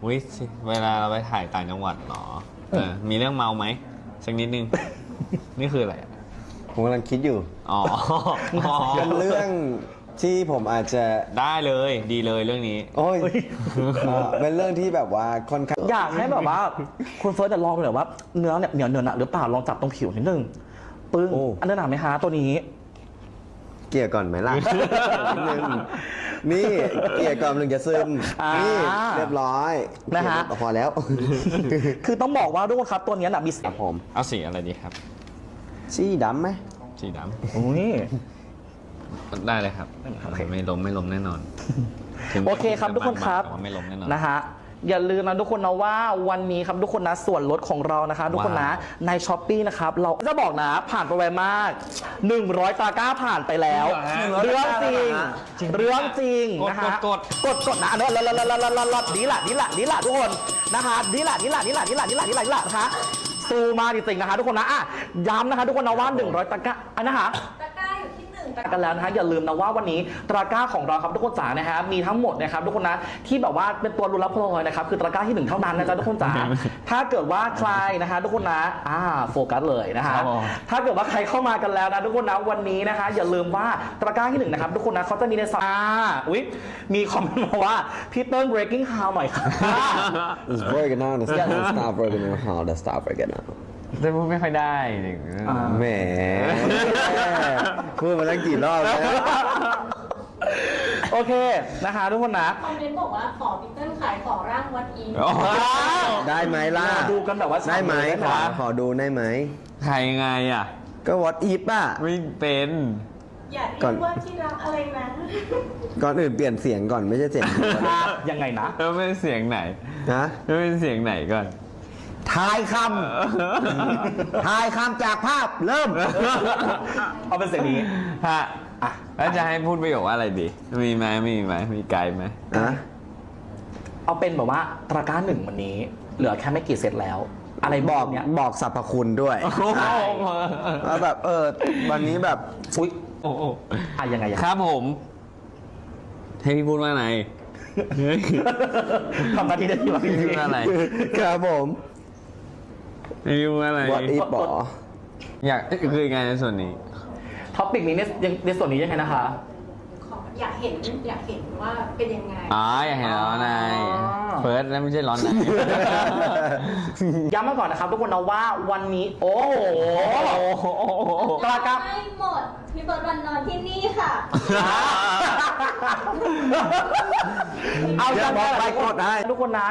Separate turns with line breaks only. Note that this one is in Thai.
วิเวลาเราไปถ่ายต่างจังหวัดหรอมีเรื่องเมาไหมสักนิดนึง นี่คืออะไร
ผมกำลังคิดอยู่
อ๋อ
เป็นเรื่องที่ผมอาจจะ
ได้เลยดีเลยเรื่องนี้
โอ้ยเป็นเรื่องที่แบบว่าค่อนข้าง
อยากให้แบบว่าคุณเฟิร์สจะลองเลยว่าเนื้อเนี่ยเหนียวเนื้อหนักหรือเปล่าลองจับตรงผิวนิดนึงปึ้งอันนี้หนักไหมฮะตัวนี้
เกลี่ยก่อนไหมล่ะ นิดนึงนี่เกลี่ยก่อนถึงจะซึมนี่เรียบร้อย
นะฮะ
พอแล้ว
คือต้องบอกว่าทุกคนครับตัวนี้น่ะมี
ครับผม
เอาสีอะไรดีครับ
สีดำไหม
สีด
อุ้ย
ำได้เลยครับ
โอเค
ไม่ล้มแน่นอน
โอเคครับทุกคนครับ
แต่ว่าไม่ล้มแน่นอน
นะฮะอย่าลืมนะทุกคนนะว่าวันนี้ครับทุกคนนะส่วนลดของเรานะคะทุกคนนะในช้อปปี้นะครับเราจะบอกนะผ่านไปไวมาก100ตะกร้าผ่านไปแล้วเรื่องจริงเรื่องจริงนะฮะกดนะอันนี้ดีละทุกคนนะคะดีละนะคะซูมาจริงๆนะคะทุกคนนะอ่ะย้ำนะคะทุกคนนะว่า100ตะกร้าอันนะคะ
ตะกร้าอยู่ที่1
กันแล้วนะฮะอย่าลืมนะว่าวันนี้ตะกร้าของเราครับทุกคนจ๋านะฮะมีทั้งหมดนะครับทุกคนนะที่แบบว่าเป็นตัวรุนรับพลอยนะครับคือตะกร้าที่1เท่านั้นนะจ๊ะทุกคนจ๋า ถ้าเกิดว่าใครนะฮะทุกคนนะโฟกัสเลยนะฮะถ้าเกิดว่าใครเข้ามากันแล้วนะทุกคนนะวันนี้นะคะอย่าลืมว่าตะกร้าที่1นะครับทุกคนนะเขาจะมีในสัปดาห์อุ๊ยมีคอมเมนต์มาว่าพี่เติ้ล breaking how หน่อยค่ะ
It's working out the stop working out how the stop working out
แต่พูดไม่ค่อยได้
แหมพูดมาตั้งกี่รอบแล้ว
โอเคนะคะทุกคนนะ
คอมเมนต์บอกว่าขอพีเติ้ลขายของร่างวัดอี
ได้ไหมล่ะ
ดูกันแบบว่า
ได้ไหมขอดูได้ไหม
ใครยังไงอ่ะ
ก็ what if อ่ะ
ไม่เป็น
อย่าเรี
ก่อย น
กว่าที่รักอะไรนะ
ก่อนอื่นเปลี่ยนเสียงก่อนไม่ใช่เสียง
ยังไงนะ
แล้วเป็นเสียงไหน
นะ
แล้วเป็นเสียงไหนก่อน
ทายคำทายคำจากภาพเริ่ม
เอาเป็นเสียงนี้
ฮะแล้วจะให้พูดประโยคว่าอะไรดี มีไหมมีไกด์ไหม
นะ
เอาเป็นแบบว่าตะกร้า1วันนี้ เหลือแค่ไม่กี่เซตแล้ว อะไร
บบ อ
อก กเนี่ย
บอกสรรพคุณด้วยว่าแบบวันนี้แบบ
อุ๊ย
โอ้โห
ยังไง
ครับผม ให้พี่พูดว่าไง
ทำหน้าที่ได้ที่ว่า
พี่พูดว่าอะไร
ครับผม
ให้พี่พูดว่าอะไร
what if บอ
อยากคือยังไงในส่วนนี้
ท็อปิกนี้ในส่วนนี้ยังไงนะคะ
อยากเห็นว่าเป็นยังไง
อยากเห็นร้อนใน
อ๋อ
เฟิร์สแล้วไม่ใช่ร้อนใน
ย้ำมาก่อนนะครับทุกคนนะว่าวันนี้ โอ้โหตะกร้า
ไม่หมดพี่เบิร์ดวันนอนที่นี่ค่ะ
เอา
เดี๋ยวบอกไปกดให้
ทุกคนนะ